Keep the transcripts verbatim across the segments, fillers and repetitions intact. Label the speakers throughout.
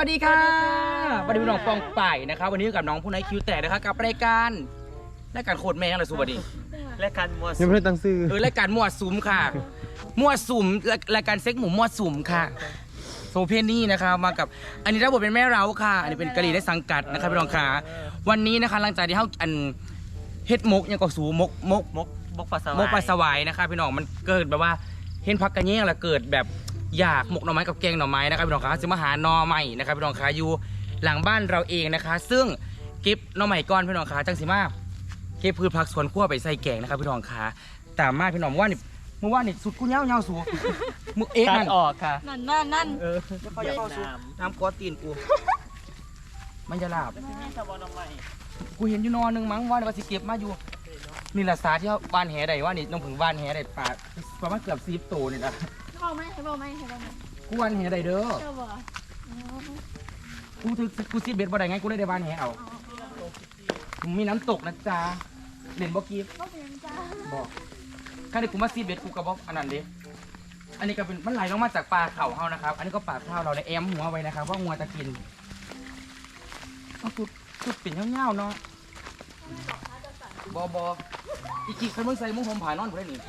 Speaker 1: วัสดีค่ะวันนี้พี่น้องปองป่ายนะครับวันนี้กับน้องผู้นายคิวแตกนะครับกับรายการรายการโคตรแม่งเลยสุบัดี
Speaker 2: รายการมั่ว
Speaker 3: ยังไม่ได้ตั้งชื่อ
Speaker 1: เออรายการมั่วสุมค่ะมั่วสุมรายการเซ็กหมูมั่วสุมค่ะโซเพียนี่นะครับมากับอันนี้รับบทเป็นแม่เราค่ะอันนี้เป็นกะหรี่ได้สังกัดนะครับพี่น้องค่ะวันนี้นะคะหลังจากที่เขาอันเฮ็ดมกยังก็สูมกมก
Speaker 2: มกมกปลาสวาย
Speaker 1: มกปลาสวายนะครับพี่น้องมันเกิดแบบว่าเห็นพักกันแย่งแล้วเกิดแบบอยากหมกหน่อไม้กับแกงหน่อไม้นะครับพี่น้องคะซึ่งมาหาหน่อไม้นะครับพี่น้องคะอยู่หลังบ้านเราเองนะคะซึ่งเก็บหน่อไม้ก้อนพี่น้องคะจังสิมาเก็บพืชผักสวนครัวไปใส่แกงนะครับพี่น้องคะตามมาพี่น้องว่านี่เมื่อวานนี่สุดกูเงาเงาสูมือเอ๊ะ
Speaker 2: ตั
Speaker 1: นั่
Speaker 2: ด
Speaker 1: น
Speaker 2: ออกค่ะ
Speaker 4: นั่นนั่นนั่น
Speaker 2: เออ
Speaker 1: เขาจะเข้าสูน้ำกอตีนกูมันจะลาบ
Speaker 2: ไม่สบายน้ำใหม่
Speaker 1: กูเห็นอยู่นอนนึงมั้งว่าว่าสิเก็บมาอยู่นี่แหละสาที่เขาบ้านแหได้ว่านี่น้องผึ่งบ้านแหได้ปลาประมาณเกือบสิบตัวนี่นะ
Speaker 4: ให้บอกไหมให้บอกไหมให้บอกไหม
Speaker 1: กูวันแหได้เด้อ
Speaker 4: เจ้าบอก
Speaker 1: กูถือกูซีเบ็ดบ่ได้ไงกูเลยได้บ้านแหเอามีน้ำตกนะจ๊ะเล่นบ่กีบ
Speaker 4: ก็เป็นจ้า
Speaker 1: บอกข้าได้กูมาซีเบ็ดกูกระบอกอันนั้นเด้อันนี้ก็เป็นมันไหลลงมาจากปลาเข่าเฮานะครับอันนี้ก็ปลาเข่าเราในแอมหัวไว้นะครับว่างัวจะกินเอาจุดจุดปิ่นเงาๆเนาะบอบออีกกี่คนมึงใส่มึงผมผ่านอนกูได้หนิ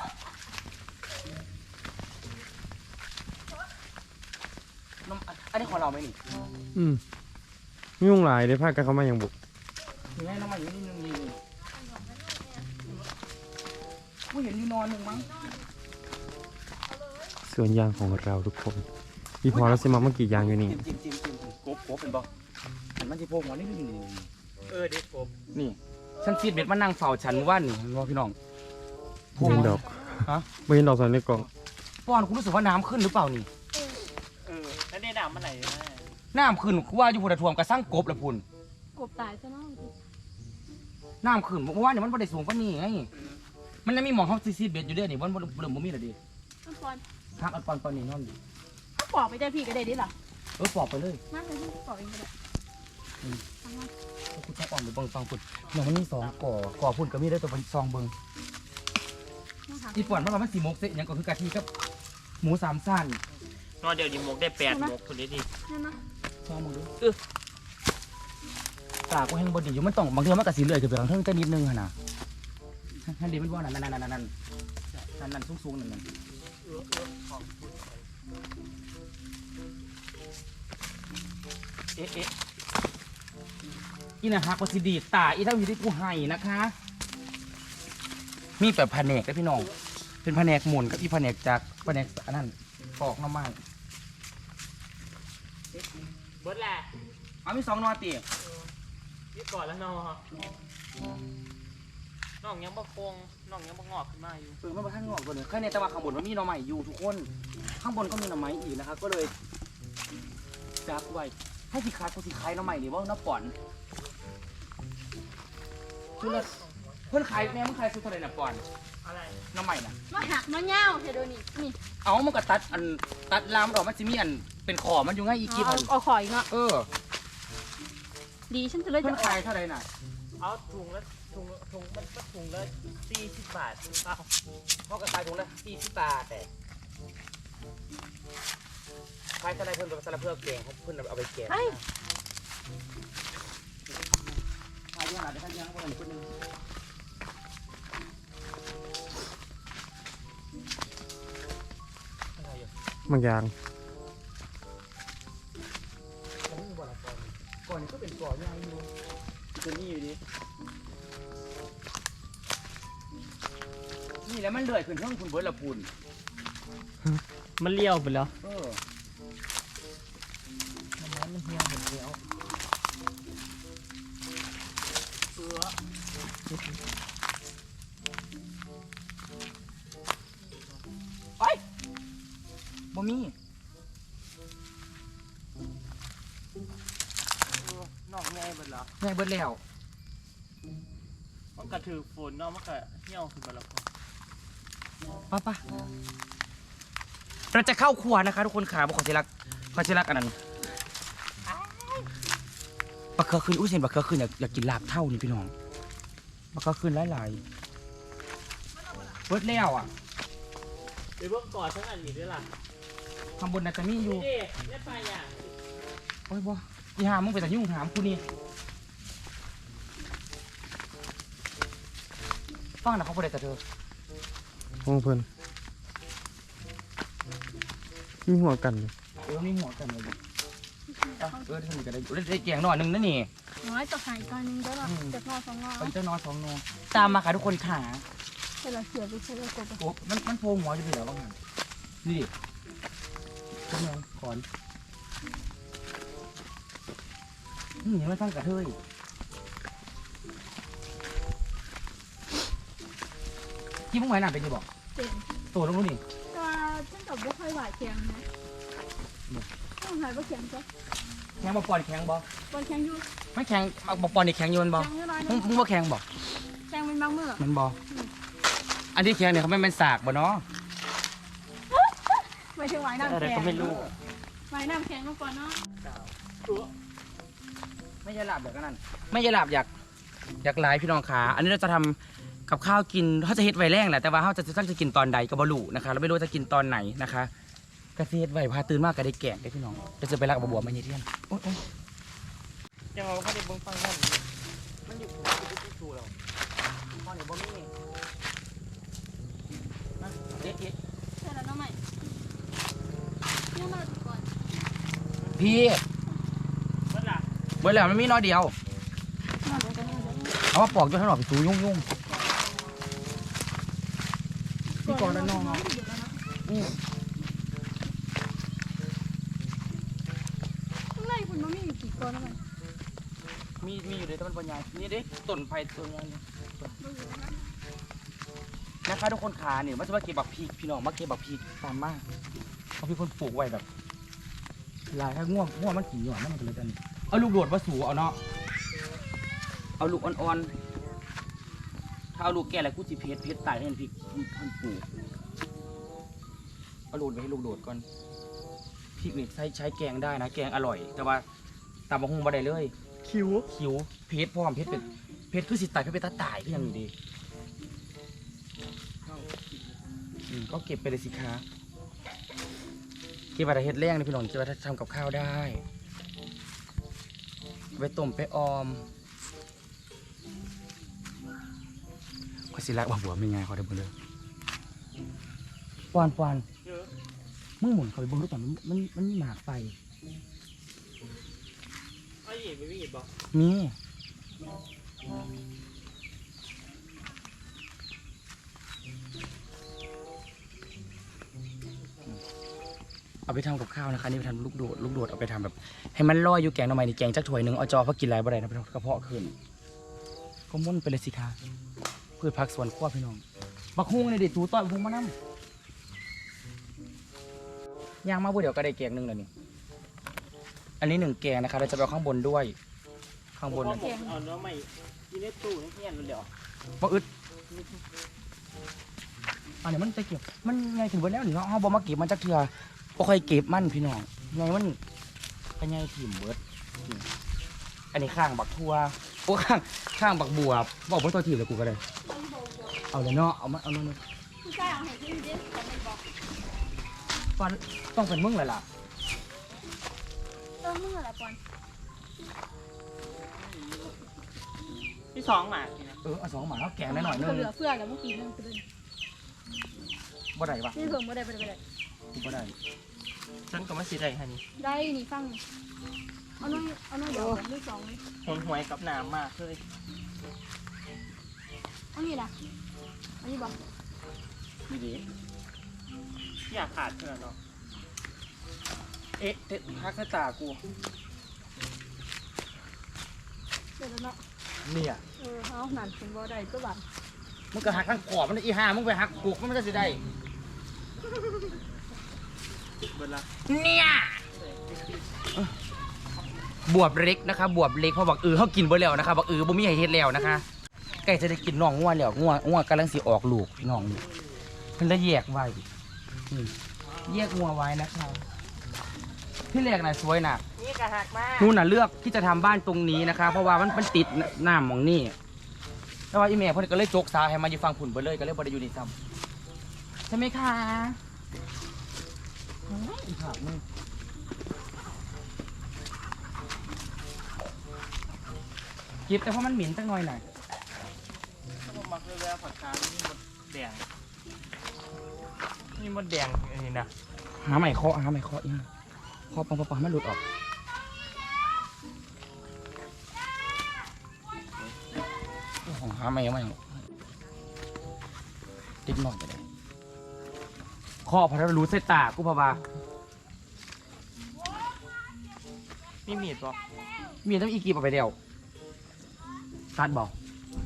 Speaker 1: น้ำอันนี้ของเราไหมนี่
Speaker 3: อืมยุ่งหลายได้พากันเข้ามาอย่างบุก
Speaker 1: นี่ไงน้ำมันอยู่นี่นึงนี่กูเห็นอยู่นอนหนึ่งมั้ง
Speaker 3: สวนยางของเราทุกคนพี่พอแล้วสิมาเมื่อกี้ยางอยู่นี่
Speaker 1: จิ้มจิ้มจิ้มจิ้มกบกบเป็นบ่อันมันจะโผล่หัวนี่นี่
Speaker 2: เออเด็กผม
Speaker 1: นี่ฉันซีดเบ็ดมานั่งเฝ้าฉันเมื่อวานนี่ว่าพี่น้อง
Speaker 3: ไม่เห็นดอก
Speaker 1: ฮะ
Speaker 3: ไม่เห็นดอกสอนในกล่อง
Speaker 1: ป้อนคุณรู้สึกว่าน้ำขึ้นหรือเปล่านี่
Speaker 2: เออแล้วนี่น้ำมันไหลนะ
Speaker 1: น้ำขึ้นกูว่าอยู่พุ่นท่วมกระสั่งกบละพุ่น
Speaker 4: กบตายซะเนาะ
Speaker 1: น้ำขึ้นเมื่อวานนี่มันบ่ได้สูงกว่านี้ไงมันยังมีหมองเขาซีดเบ็ดอยู่เด้อนี่มันบ่เริ่มบ่มีแล้วดิ
Speaker 4: มันปอน
Speaker 1: ทางอันปอนปอนนี่นอนอยู่
Speaker 4: ถ้าปอกไปได้พี่ก็ได้ดิล่ะ
Speaker 1: เออปอกไปเลย
Speaker 4: นั่นเลยพี่ปอกเองก็ได้ทำมา
Speaker 1: กูจะอ่อนไปเบิ่งฟังพุ่นอย่างมันมีสองก่อก่อพุ่นก็มีได้ตัวเป็นซองเบิ่ง อีป่อนมันว่ามันสีมกเสียยังก็คือกะทิกับหมูสามสั้น
Speaker 2: นอนเดี๋ยวดิมกได้แปดมกคนนี้ดิ
Speaker 4: นั่นนะ
Speaker 1: ชอบมึงดูเออปากกูแห้งบดีอยู่มันต้องบางทีมันกระสีเลื่อยขึ้นไปทางเทิงแต่นิดนึงฮะนะนั่นดีมันว่านั่นนั่นนั่นนั่นนั่นนั่นนั่นสูงสูงนั่นนั่นเอ๊ะเอ๊ะอีน่ะฮักว่าสิดีตาอีเท่าอยู่ที่กูให้นะคะมีแบบแผนกได้พี่น้องเป็นแผนกหมุนกับอีแผนกจากแผนกอันนั้นปอกน้ำมัน
Speaker 2: เบิร์ดแหละ
Speaker 1: เอามีสองนอตี
Speaker 2: นี่ก่อนแล้วน้องน้องยังบะคงน้องยังบะงอกขึ้นมาอยู่
Speaker 1: เออมันมาข้างนอกก่อนเลยแค่ในแต่ว่าข้างบนมันมีหน่อไม้อยู่ทุกคน ข้างบนก็มีหน่อไม้อีกนะครับก็เลยจับไว้ให้สิขายกูสิขายหน่อไม้นี่ว่าน้าป่อนคือละเพื่อนขายแม่มึงขายซื้อเท่าไหร่น่ะป่อน
Speaker 2: อะไร
Speaker 1: หน่อไม้น่ะ
Speaker 4: มาหักมาเงาเดี๋ยวดูนี่นี่
Speaker 1: เอามันก็ตัดอันตัดลามดอกมันจะมีอันเป็นขอมันอยู่ไงอีกกี่พัน
Speaker 4: เอาขออีกเนาะ
Speaker 1: เออ
Speaker 4: ดีฉันจะเลย
Speaker 1: เพื่
Speaker 4: จะ
Speaker 1: อนขายเท่าไหร่น่ะ
Speaker 2: เอาถุงละถุงถุงมันก็ถุงละสี่สิบบาทเอา
Speaker 1: พ่อก็ขายถุงละสี่สิบบาทแต่ขายเท่าไหร่เพื่อนกับสลับเพื่อเก่งเขาเพื่อนเอาไปเก่ง
Speaker 4: ไอ้
Speaker 1: ขายเยอะหนาเดี๋ยวท่านยังคนหนึ่งคนหนึ่ง
Speaker 2: อะไรอยู่
Speaker 3: บางยาง
Speaker 1: ผมมีบ่อละก่อนก่อนนี้ก็เป็นก่อนใหญ่อยู่ตัวนี้อยู่ดินี่แล้วมันเลื่อยขึ้นช่องคุณเบิร์ดละพูน
Speaker 2: มันเลี้ยวไปแล้ว
Speaker 1: เออ
Speaker 2: มันมันเหี่ยวหมดแล้วเออ
Speaker 1: ไปบ่มี
Speaker 2: น้องไงเบิดเหรอ
Speaker 1: ไงเบิร์ดแล้ว
Speaker 2: มันกระถือฝนเนาะมันก็เหี่ยวขึ้นมาแล้ว
Speaker 1: ป้าป้าเราจะเข้าครัวนะคะทุกคนขาบอกขอเชลักขอเชลักอันนั้นปลาเคือขึ้นอุ้ยเซนปลาเคือขึ้นอยากอยากกินลาบเท่านี่พี่น้องปลาเคือขึ้นหลายๆเบิร์ดแล้วอ่ะ
Speaker 2: เดี๋ยวเบิ่งก่อนทั้งอันนี้ด้วยล่ะ
Speaker 1: ข้างบนน่าจะมีอยู่
Speaker 2: นี่ได้ปลาอย่าง
Speaker 1: โอ้ยบ่อีหามึงไปแต่ยุ่งถามกูนี่ฟังนะเขาบ่ได้แต่เธอ
Speaker 3: ห้องเพิ่นมีหัวกันเลย
Speaker 1: เออนี่หัวกันเลยอ่ะเออที่นี่ก็ได้ได้ได้แกงหน่อยหนึงนั่นนี่
Speaker 4: น้อยจะหายตอนนึงได้หรอจะนอนสองนอน
Speaker 1: ไปเจ้านอนสองโนตามมาค่ะทุกคนขา
Speaker 4: เวลาเสียไปใช้แล้วกบ
Speaker 1: โอ้มันมันโผล่หัวอยู่เหรอบ้างหันนี่ทำไมขอนนี่ยังไม่ตั้งกระเทยที่มึงไหวหนาเป็นยังบอก
Speaker 4: เต็ม
Speaker 1: ตัวลงนู้นนี่
Speaker 4: ก็ฉันกับว่าค่อยหวายแข็งนะต้องหายว่าแข็งจ้ะ
Speaker 1: แข็งบอปอนแข็งบอ
Speaker 4: บอลแข็งอยู่
Speaker 1: ไม่แข็งบอปอนนี่แข็งอยู่มันบอ
Speaker 4: แข็งอยู่น้อย
Speaker 1: มึงมึงว่าแข็งบอ
Speaker 4: แข็งเป็นบางเมื่อ
Speaker 1: มันบออันที่แข็งเนี่ยเขาไม่เป็นสากบ่เนาะ
Speaker 4: ไม่ใช่หวายน้ำ
Speaker 2: อะไร
Speaker 4: แข็ง
Speaker 2: ก็ไม่รู้
Speaker 4: หวายน้ำแข็งมาก่อนเนาะ
Speaker 1: ไม่ใช่หลับแบบนั้นไม่ใช่หลับอยากอยากไลฟ์พี่น้องขาอันนี้เราจะทำกับข้าวกินเขาจะเฮ็ดไว้แรงแหละแต่ว่าเขาจะตั้งจะกินตอนใดก็บลูนะคะเราไม่รู้จะกินตอนไหนนะคะกระเฮ็ดไว้พาตื่นมากก็ได้แกงได้พี่น้องจะจะไปรักบัวบัวมาเยี่ยนโอ๊ยโอ๊ย
Speaker 2: ยังเอาเขาได้เบิ่งฟังนั่นมันอยู่ที่สูเรา
Speaker 1: พ่อเนี่ยบ่มีนะเอ๊ะเอ๊ะ
Speaker 4: ใช่แล้วน้องใหม่เนี่ยมาก่อน
Speaker 1: พี่
Speaker 2: มันล่ะ
Speaker 1: เวลามันมีน้อยเดียว
Speaker 4: มาก่อนกันเลย
Speaker 1: เอามาปอกจนข้างนอกไปสูยุ่งยุ่งพี่ก่อนแล้วน้องอืม
Speaker 4: ข้างในคุณมันมีอยู่กี่ก้อนแล้วมัน
Speaker 1: มีมีอยู่เลยแต่มันปัญญานี่เด้ต้นไผ่ต้นนี้นะคะทุกคนขาเนี่ยมันจะมาเก็บบักพีกพี่น้องมาเก็บบักพีกตามมากเขาพี่คนปลูกไว้แบบลายถ้าง่วงง่วงมันกินอยู่อ่ะมันก็เลยกันเอาลูกโดดมาสูเอาเนาะเอาลูกอ่อนๆถ้าเอาลูกแก่แล้วกูจิเพชรเพชรตายให้มันพริกมันปลูกเอาลูกไปให้ลูกโดดก่อนพริกนี่ใช้ใช้แกงได้นะแกงอร่อย แต่ว่าตำบักหุ่งบ่ได้เลย
Speaker 2: คิว
Speaker 1: คิ้วเพชรพร้อมเพชรเป็นเพชรคือสิตายเพชรเป็นตาตายก็ยังอยู่ดีอืมก็เก็บไปเลยสิคะเก็บไปแต่เฮ็ดแรงเลยพี่น้องจะไปทำกับข้าวได้ไปต้มไปออมก็สิรักบัวบัวไม่ไงเขาได้บ่เลยปอนปอน
Speaker 2: เยอะ
Speaker 1: มึงหมุนเขาไปเบิ่งดูก่อนมันมันมันมีหมากไป
Speaker 2: ไอ้หยิบไม่มีหยิบบอก
Speaker 1: มีเอาไปทำกับข้าวนะคะนี่ไปทำลูกโดดลูกโดดเอาไปทำแบบให้มันลอยอยู่แกงหน่อไม้นี่แกงจักถ้วยหนึ่งเอาจอเพราะกินอะไรบ่ได้นะกระเพาะขึ้นก็มุ่นไปเลยสิคะพืชผักสวนครัวพี่น้องบักฮุ้งในเด็ดตูต้อยบักฮุ้งมานั่ย่างมาบ่เดี๋ยวก็ได้แกงหนึ่งเลยนี่อันนี้หนึ่งแกงนะคะเราจะไปเอาข้างบนด้วย ข้างบน
Speaker 2: เอา
Speaker 1: เนี่ย
Speaker 2: เอาเนื้อใหม่กินในตู้ในเฮียนมันเดี๋ยว
Speaker 1: บ่อึดอันนี้มันจะเก็บมันไงถึงวันแล้วนี่เนาะเฮาบ่มาเก็บมันจักเทื่อบ่ค่อยเก็บมันพี่น้องไงมันก็ไงถิ่มเบิดนี่อันนี้ข้างบักทั่วโอ้ข้างข้างบักบัวบอกบ่ตัวถิ่มเลยกูก็ได้เอาเลยเนาะเอามาเอามา
Speaker 4: ผู้ชายเอาให้ที่นี่ดิแต่ไม่บอก
Speaker 1: ฟันต้องเป็นมึงเลยล่ะ
Speaker 4: เออมึงอะไรปอน
Speaker 2: ที่สองหมาทีนะ
Speaker 1: เออเอาสองหมาแล้วแกงหน่อยๆนึง
Speaker 4: เหลือเฟือแล้วเมื่อกี้นึงคือเป็น
Speaker 1: บ่ได้ปะ
Speaker 4: นี่เพิ่งไม่ได้ไม่ได้ไม่ได้
Speaker 1: กูบ่ได้
Speaker 2: ฉันก็ไม่สิได้ฮะนี่
Speaker 4: ได้นี่ฟังเอาน้อยเอาน้อยเดี๋ยวผมด้วยสองเลย
Speaker 2: หนหวยกับน้ำมากเลย
Speaker 4: เอานี่ล่ะอันนี้บอก
Speaker 1: ดีดี
Speaker 2: อยากขาดเท่านั้นเนาะ
Speaker 1: เอ๊ะเตะฮักใส่ตากู
Speaker 4: เดี๋ยวเนาะ
Speaker 1: เนี่ย
Speaker 4: เออเอาหนันเป็นบ่ได้ก็บัน
Speaker 1: มึงก็หักข้างขอบมันอีห่ามึงไปหักกุกมันจะสิได้
Speaker 2: เบิดละ
Speaker 1: เนี่ยบวบเล็กนะคะบวบเล็กเพราะบอกเออเขากินบ่แล้วนะคะบอกเออบ่มีให้เฮ็ดแล้วนะคะใกล้จะได้กินน้องงัวแล้วงัวงัวกำลังสิออกลูกพี่น้องนี่เพิ่นได้แยกไว้นี่แยกงัวไว้นะคะที่แรกน่ะสวยน่ะ
Speaker 2: นี่กระหักมาก
Speaker 1: นู่นน่ะเลือกที่จะทำบ้านตรงนี้นะคะ เพราะว่ามันมันติดหน้าหมองนี่แต่ว่าอีเมลเพิ่นก็เลยจกสาให้มาอยู่ฟังผุ่นไปเลยก็เลยบ่ได้อยู่นี่ซ้ำใช่ไหมคะโอ้ยอีกผักมึงเก็บแต่เพราะมันเหม็นจังหน่อยหน่อย
Speaker 2: ถ้าผมมักเลยผักกาดนี่มดแดงนี่มดแดงอันนี้นะ
Speaker 1: หาใหม่เคาะหาใหม่เคาะอีกเคาะปังปังปังให้มันหลุดออกของหาใหม่เอาใหม่ติ๊กหน่อยก็ได้เคาะพอถ้ารู้เส้นตากูพะบา
Speaker 2: มีมีดปะ
Speaker 1: มีต้องอีกีบออกไปเดียวตัดบอก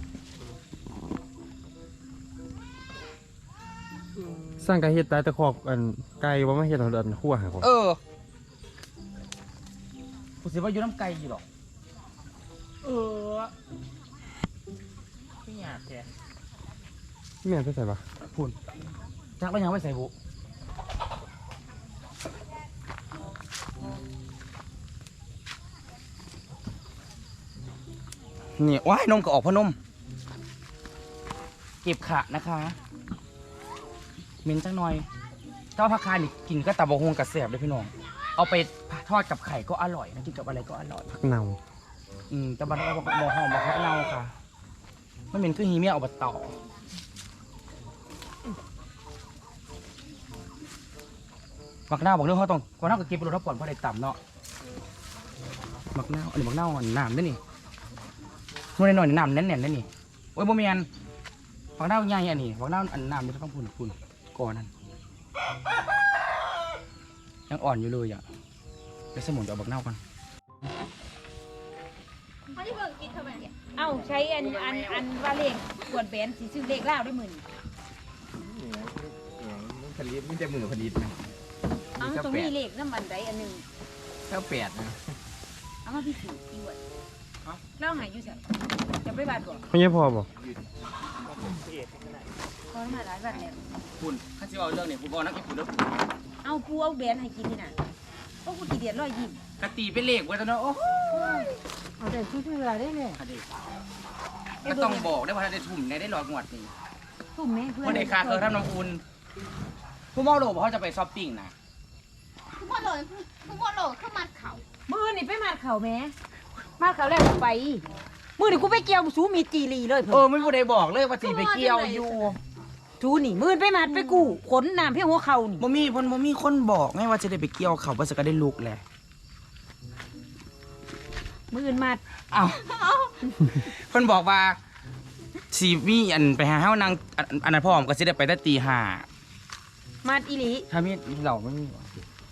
Speaker 3: สร้างไก่เฮ็ดตายตะคอกอันไก่ว่ามาเฮ็ดเอาอันคั่วหาของ
Speaker 1: เออกูสิว่าอยู่น้ำไก่อยู่หรอก
Speaker 2: เออพี่หยาบแท้
Speaker 3: แม่นไปใส่ปะ
Speaker 1: พูนจักแล้วยังไม่ใส่บุนี่ว้ายนมก็ออกพอนม เก็บขะนะคะเหม็นจังหน่อยเจ้าผักคานี่กินก็ตับบกฮวงกับแสบเลยพี่น้อง เอาไปทอดกับไข่ก็อร่อยนะกินกับอะไรก็อร่อย
Speaker 3: ผักเน่า
Speaker 1: อืมแต่บันเราบอกหมอหอมบอกเขาเน่าค่ะไม่เหม็นคือฮีเมียเอาไปต่อมักเน่าบอกเรื่องเขาต้องมักเน่ากับเก็บไปรถทับก่อนเพราะได้ต่ำเนาะมักเน่าอันนี้มักเน่าอันน้ำได้นี่นู่นหน่อยๆน้ำแน่นๆได้นี่โอ้ยโมเมียนมักเน่าใหญ่อันนี้มักเน่าอันน้ำนี่ต้องพูนพูนก่อนนั่นยังอ่อนอยู่เลยอ่ะเดี๋ยวสมุนจะเอามักเน่ากัน
Speaker 4: เขาที่เบิ่งกินทำไมเนี่ย
Speaker 5: เอ้าใช้อันอันอันว่าเลขกวดแบนสีซื้อเลขเล่าได้หมื่น
Speaker 1: ผลิตมันจะมือผลิตนะ
Speaker 5: เอ้าตรงนี้เลขน้ำมันใดอันหนึ่ง
Speaker 1: เท่าแปดนะ
Speaker 5: เอามาพี่สูอีกวดเล่าหายอยู่สักจะไปบาทก่อน
Speaker 3: ไม่ใช่พอบ่
Speaker 5: พอมาหลายบาทแล้ว
Speaker 1: คุณข้าจะเอาเรื่องเนี่ยคุณบอกนักกินคุณแล้ว
Speaker 5: เอาปูเอาแบนให้กินนี่น่ะเพราะกูกี่เดียดร้อยยิ้ม
Speaker 1: กะตีเป็นเลขไว้ตอนนั้นโอ้โห
Speaker 5: เอาแต่ชุดเวลาได้เลย
Speaker 1: ก็ต้องบอกได้ว่าถ้าได้ทุ่มในได้หลอดงวดนี่
Speaker 5: ทุ่มแม่เพื่อน
Speaker 1: วันเด็กคาเคยทำน้ำอุ่นผู้เมาโลบอกเขาจะไปช้อปปิ้งนะ
Speaker 4: ทุกคนโหลดทุกคนโหลดเข้ามาเขา
Speaker 5: มือนี่ไปมาดเขาแม่มาดเขาแล้วกูไปมือนี่กูไปเกี่ยวสูมีจีรีเลย
Speaker 1: เอ
Speaker 5: เพิ่
Speaker 1: อน ไม่ผู้ใดบอกเลยว่าสีไปเกี่ยวอยู่
Speaker 5: สูนี่มือไปมาดไปกู้ขนน้ำเพียงหัวเข่านี่
Speaker 1: บ่มีเพ่นบ่มีคนบอกไงว่าจะได้ไปเกี่ยวเขาว่าจะก็ได้ลุกแหละ
Speaker 5: มือมาด
Speaker 1: อ้าวเพิ่นบอกว่าสีมีอันไปหาเฮานางอันอันนั้นพ่อผมก็สิได้ไปแต่ตีห้า
Speaker 5: มาดอีหลี
Speaker 1: ถ้ามีเหล่าไม่มีหรอ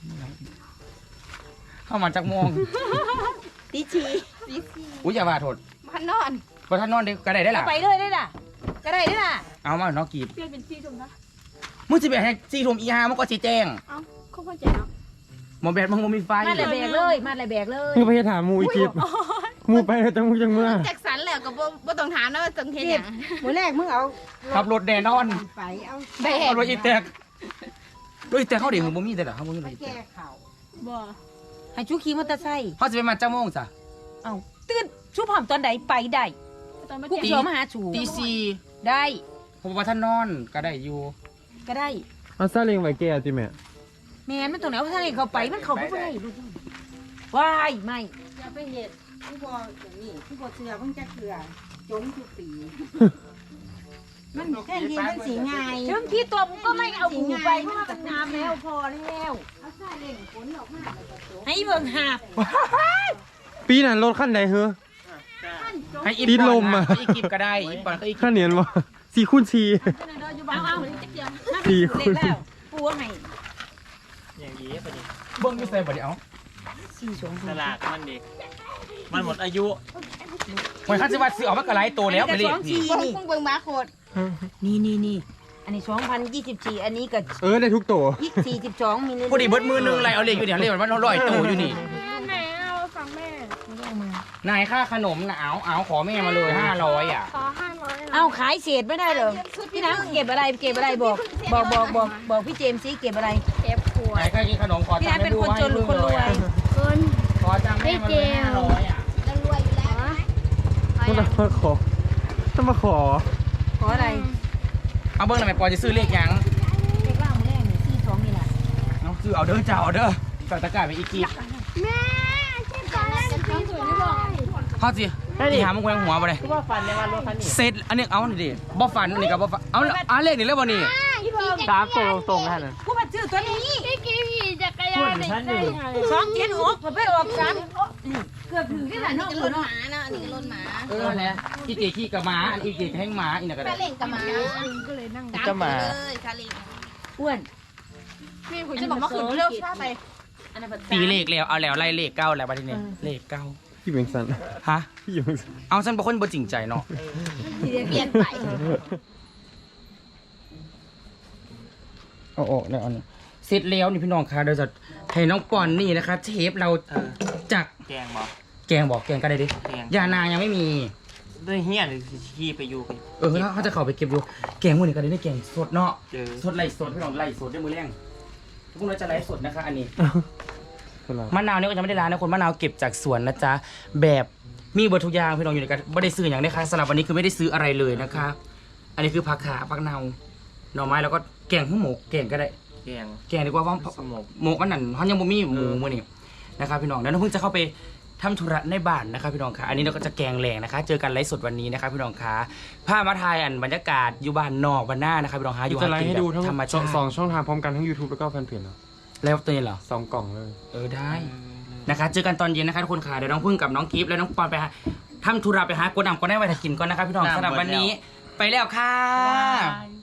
Speaker 1: เข้ามาจากโมง
Speaker 5: ตีชี
Speaker 4: สีสี
Speaker 1: อุ้ยอย่าว่าโทษ
Speaker 4: มันนอน
Speaker 1: พอท่านนอนได้ก็ได้ได้ล่ะ
Speaker 5: ไปเลยได้ล่ะก็ได้ได้ล่ะ
Speaker 1: เอามาน้องกีบ
Speaker 4: เปลี่ยนเป็นสีชมนะ
Speaker 1: มึงสิไปให้ซีทุ่มอีห้ามันก็สิแจ้ง
Speaker 4: เอ้าเขาเข้าใจเนาะ
Speaker 1: หมอแบตมึงบ่มีไฟ
Speaker 5: มาดเลยแบกเลยมาดเลยแบกเลย
Speaker 3: มึงไปเฮ็ดถามหมูอีกคลิปหมูไปแล้วแต่มึงจังเมื่อ
Speaker 4: แจ็คสันแล้วก็บ่บ่ต้องถามนะว่าต้องเฮ็ดหยัง
Speaker 5: มือแรกมึงเอา
Speaker 1: ขับรถแน่นอน
Speaker 5: ไปเอา
Speaker 4: แบ
Speaker 1: ขั
Speaker 4: ก
Speaker 1: บรถอีแตกรถอีแตกเขาเดี๋ยวมึงบ่มีแต่ละเขาบ่มีรถอีแต
Speaker 5: แก้
Speaker 1: ก
Speaker 5: ข่าว
Speaker 4: บ่
Speaker 5: ให้ชูขี่มอเตอร์ไซค์
Speaker 1: เขาจะไปมาเจ้าโมงจ้ะ
Speaker 5: เอาตื่นชูพร้อมตอนใดไปได้
Speaker 4: ตอนมา
Speaker 5: กู
Speaker 4: แจ้ง
Speaker 5: เขียวมาหาชู
Speaker 1: ตีสี่
Speaker 5: ได้
Speaker 1: ผมว่าท่านนอนก็ได้อยู่
Speaker 5: ก็ได้
Speaker 3: เอาซาเล้งไว้แก่ติแม่
Speaker 5: แม่นมันตรงไหนว่าถ้าเห็นเขาไปมันเขาไม่ได้ลูกว้ายไม่
Speaker 6: อย่าไปเห็ดผู้บออย่างนี้ผู้บอเสือเพิ่งจะเถื่อจมทุกปี มันแค่ทีมันสีง่าย
Speaker 5: ถึงที่ตัวมึงก็ไม่เอาหูไปเพราะว่ามันงามแล้วพอแล้ว
Speaker 6: เอาซาเล่งขนออกมาแล้วก็จบ
Speaker 5: ให้เบิ่งหาบ
Speaker 3: ปีนั้นรถคันใดเฮ้อ
Speaker 1: ให้อี
Speaker 3: ติด
Speaker 1: ป
Speaker 3: ล
Speaker 1: อน
Speaker 3: ม
Speaker 1: นะ
Speaker 3: อะ
Speaker 1: อีกิบก็ได้อีปอนก็อีกิ
Speaker 3: ข้า
Speaker 1: บ
Speaker 3: เนียนวะสี่คูณสี่
Speaker 5: เอาเอา
Speaker 3: สี่
Speaker 5: สี่
Speaker 3: ค
Speaker 5: คน นแล้วปูให้
Speaker 2: อย่างนี้พอดี
Speaker 1: เบิ้งอยู่ใส่บ่ได้เอา
Speaker 5: สี่สอง
Speaker 2: ตลาดมันดีมันหมดอายุ
Speaker 1: เหมือนเขาจะว่าซื้อออกมากระไรตัวแล้วไปเลย
Speaker 5: สองสี่
Speaker 4: เบิ่ง
Speaker 5: นี่
Speaker 4: เบิ่งมาโคตร
Speaker 5: นี่นี่นี่อันนี้สองพันยี่สิบสี่อันนี้ก็
Speaker 3: เออได้ทุกตัว
Speaker 5: ยี่สี่สิบสองมิลลิ
Speaker 1: พอดีเบิดมือหนึงไรเอาเลขอยู่เนี่ยเลขมันร้อยตัวอยู่นี่
Speaker 4: แม่เอาฟังแม่
Speaker 1: นายค่าขนมนะเอาเอาขอแม่มาเลยห้าร้อยอ่ะ
Speaker 4: ขอห้าร้อย
Speaker 5: เอาขายเศษไม่ได้เหรอพี่น้ำเก็บอะไรเก็บอะไรบอกบอกบอกบอกบอกพี่เจมส์ซิเก็บอะไร
Speaker 4: เก็บขวด
Speaker 1: นายค่ากินขนมขอ
Speaker 5: พี่
Speaker 1: ตัง
Speaker 5: น้ำ
Speaker 1: ค์
Speaker 5: เป็นคนจนหรือคนรวย
Speaker 4: เกิน
Speaker 1: ขอตังค์แม่มาเลยห้าร้อยอ่ะ
Speaker 4: แล้วรวยอยู่แล้วนะ
Speaker 3: ต้องมาขอต้องมาขอ
Speaker 5: ขออะไร
Speaker 1: เอาเบิ้งหน่อยแม่ปอจะซื้อเลขยัง
Speaker 5: เด็กล่างแรกหนึ่งสี่สองนี่แหละ
Speaker 1: เอาซื้อเอาเด้อเจ้าเอาเด้อใส่ตะกร้าไปอีกกีบ
Speaker 4: แม่ที่ตอนแรกจะตีสวยไม่บอก
Speaker 1: เขาสิ
Speaker 4: แม่
Speaker 2: ได้ดิ
Speaker 1: ที่หามึงแขวงหัวบ่ได้
Speaker 2: คือว่าฟันในวันรถคันนี้
Speaker 1: เสร็จอันนี้เอานี่ดิบ่ฝันอันนี้ก็บ่ฝันเอาเอาเลขนี่แล้วบ่นี่
Speaker 2: สามตัวตรงๆนั่นน่ะ
Speaker 5: กูมาซื้อตัวนี้
Speaker 4: พี่กี้ขี่จักรยา
Speaker 2: พูด
Speaker 4: น
Speaker 2: ถึงฉันอยู่
Speaker 5: สองเจ็ดหกก็ไปออกสามเกือบถึงที่ไหน
Speaker 6: อัน
Speaker 5: เนาะ
Speaker 6: นี้ก็รถหมานะอันนี้ก็รถหมา
Speaker 1: เออแหละอีเกขี้กับหมาอันอีเกแห้งหมาอีน่ะก็
Speaker 6: คา
Speaker 1: ได้
Speaker 6: เล่งกับหมา
Speaker 4: ก็เลยนั่ง
Speaker 2: จะมา
Speaker 6: เลยคาเล่ง
Speaker 5: อ้วน
Speaker 6: พี่ผมจะบอกว่าขึ้นเร็วช้าไป
Speaker 5: อันนั้น
Speaker 1: ตีเลขแล้วเอาแล้วไล่เลขเก้าแล้วบัดนี้เลขเก้า
Speaker 3: พี่เป็นสัน
Speaker 1: ฮะ
Speaker 3: พี่เป็นสัน
Speaker 1: เอาฉันเป็นคนบ่จริงใจเนาะ
Speaker 6: เปลี่ยนไป
Speaker 1: เอาออกแล้วอันนี้เสร็จแล้วนี่พี่น้องคะเดี๋ยวจะให้น้องปอนนี่นะคะเชฟเราจาก
Speaker 2: แกงบ่
Speaker 1: แกงบอกแกงก็ได้ดิ
Speaker 2: แกง
Speaker 1: ยานายังไม่มี
Speaker 2: ด้วยเฮียหรือขี่ไปอยู่ไป
Speaker 1: เออเขาจะเข้าไปเก็บอยู่แกงมื้อนี้ก็ได้ได้แกงสดเนาะ
Speaker 2: เจอ
Speaker 1: สดไล่สดพี่น้องไล่สดด้วยมือแรงทุกคนเราจะไล่สดนะคะอันนี้
Speaker 3: เป็นไร
Speaker 1: มะนาวเนี่ยก็จะไม่ได้ร้านนะคนมะนาวเก็บจากสวนนะจ๊ะแบบมีเบอร์ทุกอย่างพี่น้องอยู่ในกันไม่ได้ซื้ออย่างนี้ค่ะสำหรับวันนี้คือไม่ได้ซื้ออะไรเลยนะคะ อันนี้คือผักขาผักเนาหน่อไม้แล้วก็แกงข้าวหมกแกงก็ได้
Speaker 2: แกง
Speaker 1: แกงดีกว่าเพราะ
Speaker 2: สมก
Speaker 1: หมกอันนั้นเขายังบ่มีหมูมื้อนี้นะครับพี่น้องแล้วน้องเพิ่งจะเข้าไปทำธุระในบ้านนะครับพี่น้องค่ะอันนี้เราก็จะแกงแหลงนะคะ เจอกันไลฟ์สดวันนี้นะครับพี่น้องค่ะพามาทายอันบรรยากาศอยู่บ้านนอกบ้านหน้านะครับพี่น้องค่ะอยู่
Speaker 3: จะ
Speaker 1: หา
Speaker 3: ไล
Speaker 1: กิ
Speaker 3: ฟ์
Speaker 1: น
Speaker 3: ให้ดูทั้ง
Speaker 1: แบบธรรมชาติ
Speaker 3: สองช่องทางพร้อมกันทั้ง YouTube แล้วก็แฟนเพจเนาะ
Speaker 1: แล้วตัวนี้เหรอ
Speaker 3: สองกล่องเลย
Speaker 1: เออได้ นะคะเจอกันตอนเย็นนะคะทุกคนค่ะเดี๋ยวน้องพึ่งกับน้องกิฟต์และน้องปอนไปหาทำธุระไปหากดนำก็ได้ไว้ถ้ากินก่อนนะคะพี่น้องสำหรับวันนี้ไปแล้วค่ะ
Speaker 2: บาย